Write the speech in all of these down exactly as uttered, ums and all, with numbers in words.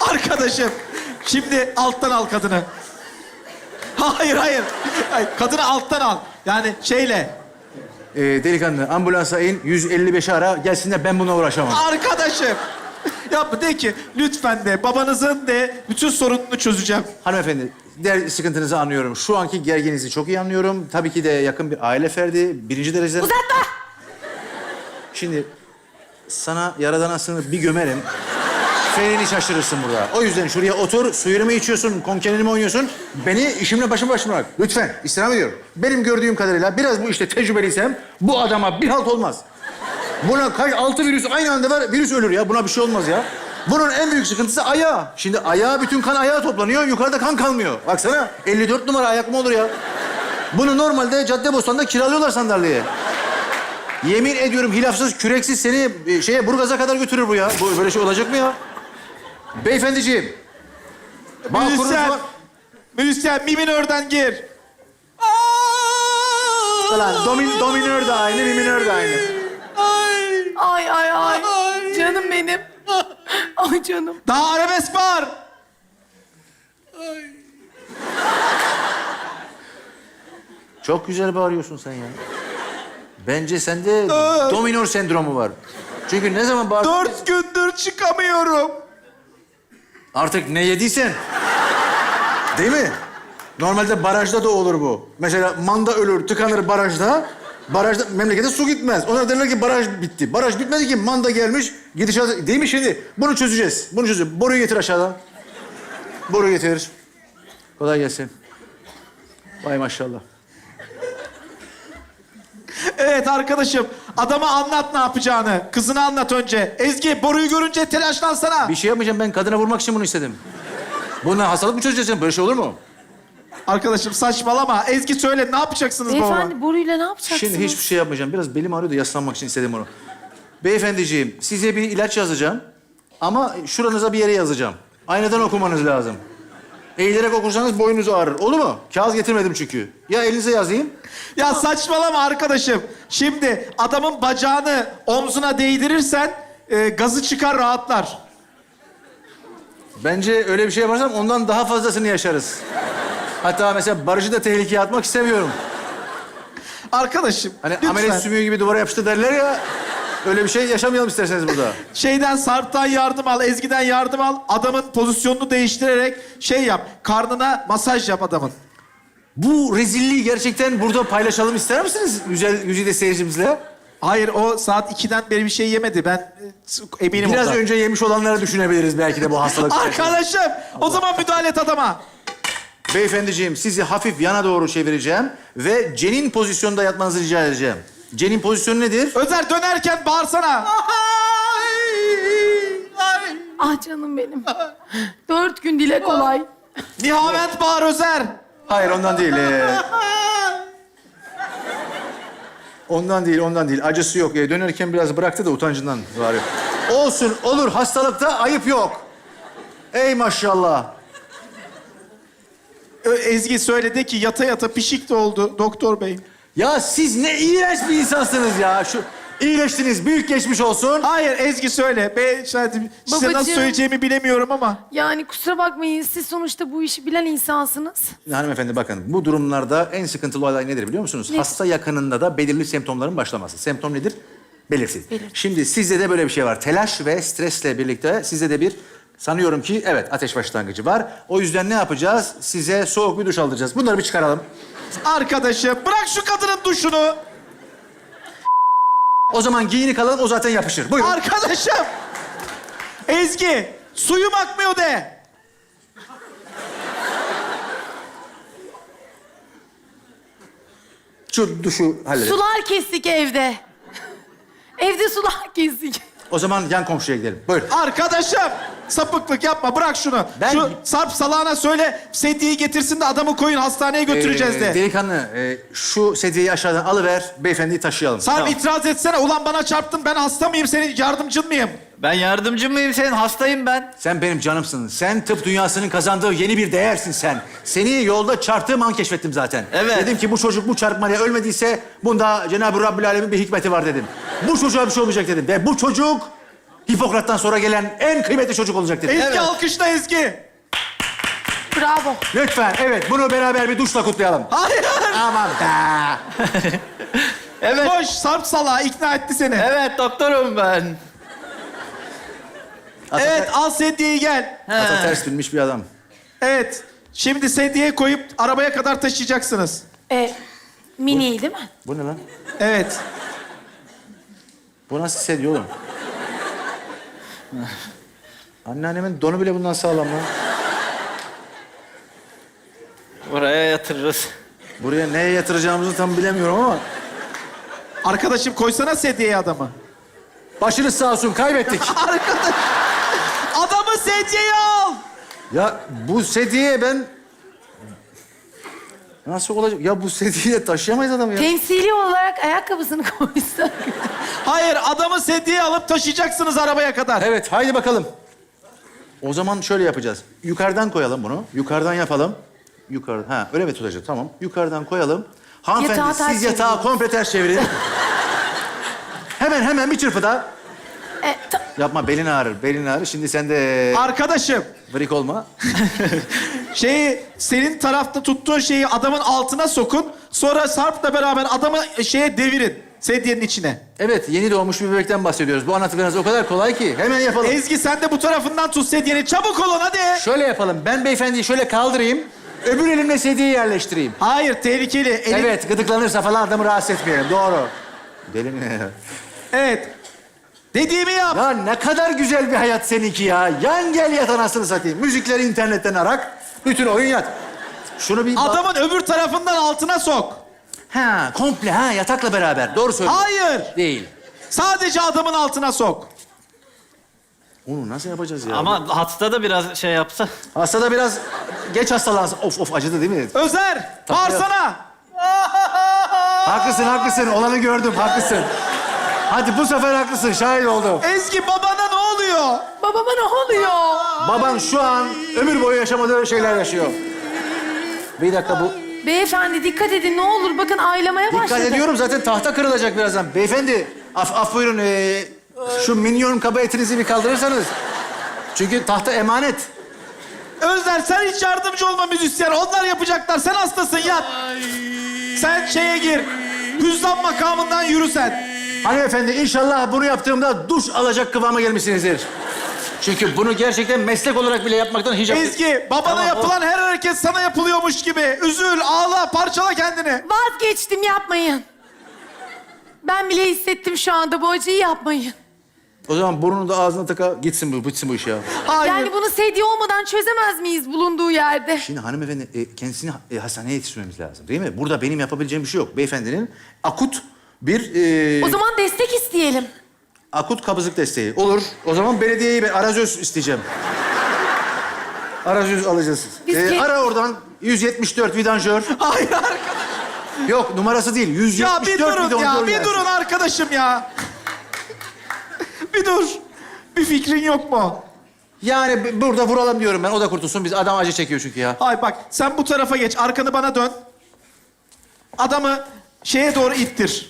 Arkadaşım, şimdi alttan al kadını. Hayır, hayır. Hayır, kadını alttan al. Yani şeyle. Ee, delikanlı ambulansa in, yüz elli beşi ara gelsinler, ben bununla uğraşamam. Arkadaşım. Yapma, de ki lütfen de babanızın de bütün sorununu çözeceğim. Hanımefendi, der sıkıntınızı anlıyorum. Şu anki gerginliğinizi çok iyi anlıyorum. Tabii ki de yakın bir aile ferdi, birinci dereceden... Uzatma! Şimdi sana yaradana sığınıp bir gömerim. Ferini şaşırırsın burada. O yüzden şuraya otur, suyunu mu içiyorsun, konkenini mi oynuyorsun? Beni işimle başım başıma bırak. Lütfen, istirham ediyorum. Benim gördüğüm kadarıyla biraz bu işte tecrübeliysem bu adama bir halt olmaz. Buna kaç, altı virüs aynı anda var, virüs ölür ya. Buna bir şey olmaz ya. Bunun en büyük sıkıntısı ayağı. Şimdi ayağa, bütün kan ayağa toplanıyor, yukarıda kan kalmıyor. Baksana, elli dört numara ayak mı olur ya? Bunu normalde Caddebostan'da kiralıyorlar sandalyeye. Yemin ediyorum hilafsız, küreksiz seni e, şeye, Burgaz'a kadar götürür bu ya. Bu böyle şey olacak mı ya? Beyefendiciğim. Bağkurunuz Müzisyen. var. Müzisyen, mi minörden gir. Ulan domin, dominör de aynı, mi minör de aynı. Ay. Ay ay ay. Ay. Canım benim. Ay canım. Daha arabesk var. Çok güzel bağırıyorsun sen ya. Bence sende dominör sendromu var. Çünkü ne zaman bağırdın... Dört gündür çıkamıyorum. Artık ne yediysen. Değil mi? Normalde barajda da olur bu. Mesela manda ölür, tıkanır barajda. Barajda, memlekete su gitmez. Onlar derler ki baraj bitti. Baraj bitmedi ki, manda gelmiş. Gidişat... Değil mi şimdi? Bunu çözeceğiz. Bunu çözeceğiz. Boruyu getir aşağıdan. Boru getir. Kolay gelsin. Vay maşallah. Evet arkadaşım, adama anlat ne yapacağını. Kızına anlat önce. Ezgi, boruyu görünce telaşlansana. Bir şey yapmayacağım. Ben kadına vurmak için bunu istedim. Bununla hastalık mı çözeceksin? Böyle şey olur mu? Arkadaşım saçmalama. Ezgi söyle, ne yapacaksınız babama? Beyefendi boruyla ne yapacaksınız? Şimdi hiçbir şey yapmayacağım. Biraz belim ağrıyor da yaslanmak için istedim onu. Beyefendiciğim, size bir ilaç yazacağım. Ama şuranıza bir yere yazacağım. Aynadan okumanız lazım. Eğilerek okursanız boynunuz ağrır. Olur mu? Kağıt getirmedim çünkü. Ya elinize yazayım. Ya saçmalama arkadaşım. Şimdi adamın bacağını omzuna değdirirsen e, gazı çıkar, rahatlar. Bence öyle bir şey yaparsam ondan daha fazlasını yaşarız. Hatta mesela Barış'ı da tehlikeye atmak istemiyorum. Arkadaşım, Hani lütfen. amelet sümüğü gibi duvara yapıştı derler ya. Öyle bir şey yaşamayalım isterseniz burada. Şeyden, Sarp'tan yardım al, Ezgi'den yardım al. Adamın pozisyonunu değiştirerek şey yap. Karnına masaj yap adamın. Bu rezilliği gerçekten burada paylaşalım ister misiniz? Güzel, güzide seyircimizle. Hayır, o saat ikiden beri bir şey yemedi. Ben e, eminim Biraz ondan. önce yemiş olanları düşünebiliriz belki de bu hastalık. Arkadaşım, o zaman müdahale et adama. Beyefendiciğim, sizi hafif yana doğru çevireceğim ve cenin pozisyonunda yatmanızı rica edeceğim. Cenin pozisyonu nedir? Özer, dönerken bağırsana. Ah canım benim. Dört gün dile kolay. Nihavent bağır Özer. Hayır, ondan değil. ee. Ondan değil, ondan değil. Acısı yok. Ee, dönerken biraz bıraktı da utancından var. Olsun, olur. Hastalıkta ayıp yok. Ey maşallah. Ö- Ezgi söyledi ki yata yata pişik de oldu doktor bey. Ya siz ne iğrenç bir insansınız ya. Şu iyileştiniz, büyük geçmiş olsun. Hayır, Ezgi söyle. Ben size nasıl Babacığım. söyleyeceğimi bilemiyorum ama. Yani kusura bakmayın, siz sonuçta bu işi bilen insansınız. Hanımefendi bakın, bu durumlarda en sıkıntılı olay nedir biliyor musunuz? Ne? Hasta yakınında da belirli semptomların başlaması. Semptom nedir? Belirsiz. Belirsiz. Şimdi sizde de böyle bir şey var. Telaş ve stresle birlikte sizde de bir, sanıyorum ki evet, ateş başlangıcı var. O yüzden ne yapacağız? Size soğuk bir duş aldıracağız. Bunları bir çıkaralım. Arkadaşım, bırak şu kadının duşunu. O zaman giyinik alalım, o zaten yapışır. Buyurun. Arkadaşım. Ezgi, suyum akmıyor de. Şu duşu halledelim. Sular kestik evde. Evde sular kestik. O zaman yan komşuya gidelim. Buyurun. Arkadaşım, sapıklık yapma, bırak şunu. Ben- Şu Sarp salağına söyle, sedyeyi getirsin de adamı koyun hastaneye götüreceğiz Ee, de. Delikanlı, e, şu sedyeyi aşağıdan alıver, beyefendiyi taşıyalım. Sarp Tamam. itiraz etsene. Ulan bana çarptın, ben hasta mıyım, senin yardımcın mıyım? Ben yardımcı mıyım senin? Hastayım ben. Sen benim canımsın. Sen tıp dünyasının kazandığı yeni bir değersin sen. Seni yolda çarptığım an keşfettim zaten. Evet. Dedim ki bu çocuk bu çarpmayla ölmediyse bunda Cenab-ı Rabbül Alemin bir hikmeti var dedim. Bu çocuğa bir şey olmayacak dedim. Ve bu çocuk Hipokrat'tan sonra gelen en kıymetli çocuk olacak dedi. Ezgi alkışla Ezgi. Bravo. Lütfen, evet. Bunu beraber bir duşla kutlayalım. Hayır. Aman be. Evet. Koş Sarp salağı ikna etti seni. Evet doktorum ben. Evet al sedyeyi gel. Ata ters binmiş bir adam. Evet. Şimdi sedyeye koyup arabaya kadar taşıyacaksınız. E, mini değil mi? Bu ne lan? Evet. Bu nasıl sedye oğlum? Anneannemin donu bile bundan sağlam lan. Buraya yatırırız. Buraya neye yatıracağımızı tam bilemiyorum ama... Arkadaşım koysana sedyeye adamı. Başınız sağ olsun, kaybettik. Arkadaş. Adamı sedyeye al. Ya bu sedyeye ben... Nasıl olacak? Ya bu sedyeyle taşıyamayız adamı ya. Temsili olarak ayakkabısını koysak. Hayır adamı sedyeye alıp taşıyacaksınız arabaya kadar. Evet, haydi bakalım. O zaman şöyle yapacağız. Yukarıdan koyalım bunu. Yukarıdan yapalım. Yukarı, ha öyle mi tutacağız? Tamam. Yukarıdan koyalım. Hanımefendi Yatağı ters siz yatağı çevirin. komple ters çevirin. hemen hemen bir çırpıda. E, ta- Yapma, belin ağrır, belin ağrır. Şimdi sen de Arkadaşım vrik olma. şeyi senin tarafta tuttuğun şeyi adamın altına sokun. Sonra Sarp'la beraber adamı şeye devirin. Sedyenin içine. Evet, yeni doğmuş bir bebekten bahsediyoruz. Bu anlattıklarınız o kadar kolay ki. Hemen yapalım. Ezgi sen de bu tarafından tut sedyenin. Çabuk olun hadi. Şöyle yapalım. Ben beyefendiyi şöyle kaldırayım. Öbür elimle sedyeyi yerleştireyim. Hayır tehlikeli. Elin... Evet, gıdıklanırsa falan adamı rahatsız etmeyelim. Doğru. Deli mi ya? Evet. Dediğimi yap. Ya ne kadar güzel bir hayat seninki ya. Yan gel yat anasını satayım. Müzikleri internetten arak. Bütün oyun yat. Şunu bir... bak- Adamın öbür tarafından altına sok. Ha, komple ha, yatakla beraber. Doğru söylüyorsun. Hayır. Değil. Sadece adamın altına sok. Onu nasıl yapacağız ya? Ama hasta da biraz şey yapsa. Hasta da biraz geç hastalansın. Of of, acıdı değil mi? Özer, bağırsana. Haklısın, haklısın. Olanı gördüm, haklısın. Hadi bu sefer haklısın, şahit oldum. Ezgi babana ne oluyor? babama ne oluyor? Baban şu an ömür boyu yaşamadığı şeyler yaşıyor. Bir dakika bu... Beyefendi dikkat edin ne olur. Bakın aylamaya başladı. Dikkat ediyorum, zaten tahta kırılacak birazdan. Beyefendi, af, af buyurun. ee, şu minyon kaba etinizi bir kaldırırsanız. Çünkü tahta emanet. Özer sen hiç yardımcı olma müzisyen. Onlar yapacaklar. Sen hastasın yat. Sen şeye gir. Hüzzam makamından yürü sen. Hanımefendi, inşallah bunu yaptığımda duş alacak kıvama gelmişsinizdir. Çünkü bunu gerçekten meslek olarak bile yapmaktan hiç... Ezgi babana Tamam, yapılan her hareket sana yapılıyormuş gibi. Üzül, ağla, parçala kendini. Vazgeçtim yapmayın. Ben bile hissettim şu anda bu acıyı yapmayın. O zaman burnunu da ağzına taka, gitsin bu, bitsin bu iş ya. Hayır. Yani bunu sedye olmadan çözemez miyiz bulunduğu yerde? Şimdi hanımefendi, e, kendisini e, hastaneye yetiştirmemiz lazım değil mi? Burada benim yapabileceğim bir şey yok. Beyefendinin akut bir... e, O zaman destek isteyelim. akut kabızlık desteği. Olur. O zaman belediyeyi ben arazöz isteyeceğim. Arazöz alacağız. Biz Ee, ke- ara oradan yüz yetmiş dört vidanjör. Hayır arkadaş. Yok, numarası değil. yüz Ya yetmiş bir dört durun vidanjör ya. Bir gelsin. durun arkadaşım ya. Bir dur. Bir fikrin yok mu? Yani b- burada vuralım diyorum ben. O da kurtulsun. Biz adam acı çekiyor çünkü ya. Ay bak sen bu tarafa geç. Arkanı bana dön. Adamı şeye doğru ittir.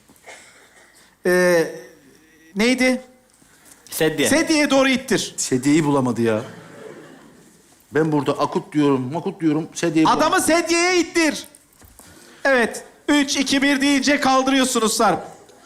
Ee, neydi? Sedye. Sedyeye doğru ittir. Sedyeyi bulamadı ya. Ben burada akut diyorum, makut diyorum. Sedyeyi bulamadı. Adamı sedyeye ittir. Evet. Üç, iki, bir deyince kaldırıyorsunuz Sarp.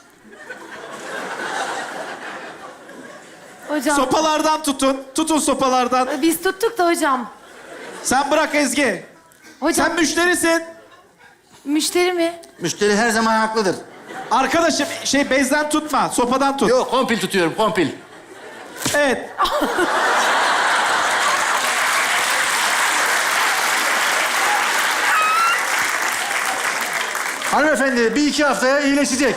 Hocam Sopalardan tutun. Tutun sopalardan. biz tuttuk da hocam. Sen bırak Ezgi. Hocam Sen müşterisin. müşteri mi? Müşteri her zaman haklıdır. Arkadaşım şey bezden tutma. Sopadan tut. Yok, kompil tutuyorum, kompil. Evet. Hanımefendi bir iki haftaya iyileşecek.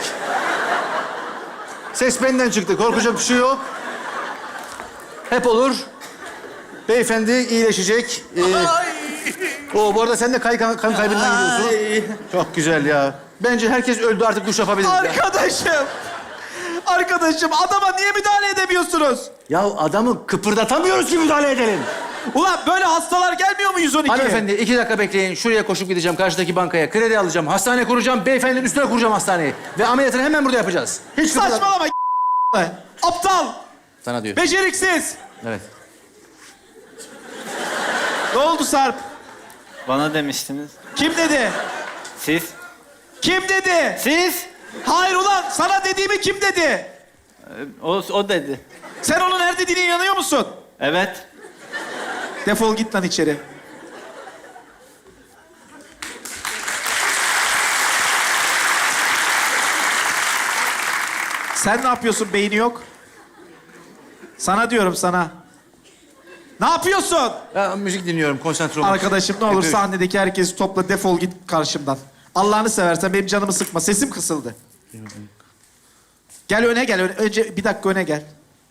Ses benden çıktı. Korkacak bir şey yok. Hep olur. Beyefendi iyileşecek. Ee, o bu arada sen de kay, kan, kan kaybından gidiyorsun. Çok güzel ya. Bence herkes öldü, artık duş yapabiliriz ya. Arkadaşım. Arkadaşım adama niye müdahale edemiyorsunuz? Ya adamı kıpırdatamıyoruz ki müdahale edelim. Ulan böyle hastalar gelmiyor mu yüz on ikiye? Hanımefendi iki dakika bekleyin. Şuraya koşup gideceğim karşıdaki bankaya. Kredi alacağım. Hastane kuracağım. Beyefendinin üstüne kuracağım hastaneyi. Ve ameliyatını hemen burada yapacağız. Hiç kıpırdat- Saçmalama. Aptal. Sana diyor. Beceriksiz. Evet. Ne oldu Sarp? Bana demiştiniz. Kim dedi? Siz? Kim dedi? Siz? Hayır ulan sana dediğimi kim dedi? Ee, O, o dedi. Sen onun her dediğine inanıyor musun? Evet. Defol git lan içeri. Sen ne yapıyorsun beyni yok? Sana diyorum sana. Ne yapıyorsun? Ya, müzik dinliyorum, konsantre olmak için. Arkadaşım ne olur Yapıyorum. sahnedeki herkesi topla defol git karşımdan. Allah'ını seversen benim canımı sıkma. Sesim kısıldı. Gel öne gel. Öne. Önce bir dakika öne gel.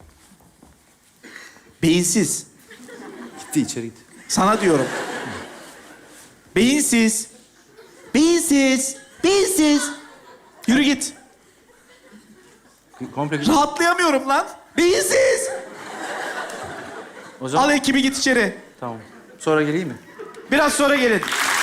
Beyinsiz. Gitti içeri gitti. Sana diyorum. Beyinsiz. Beyinsiz. Beyinsiz. Yürü git. Komple gitti. Rahatlayamıyorum lan. Beyinsiz. O zaman Al ekibi git içeri. tamam. Sonra geleyim mi? Biraz sonra gelin.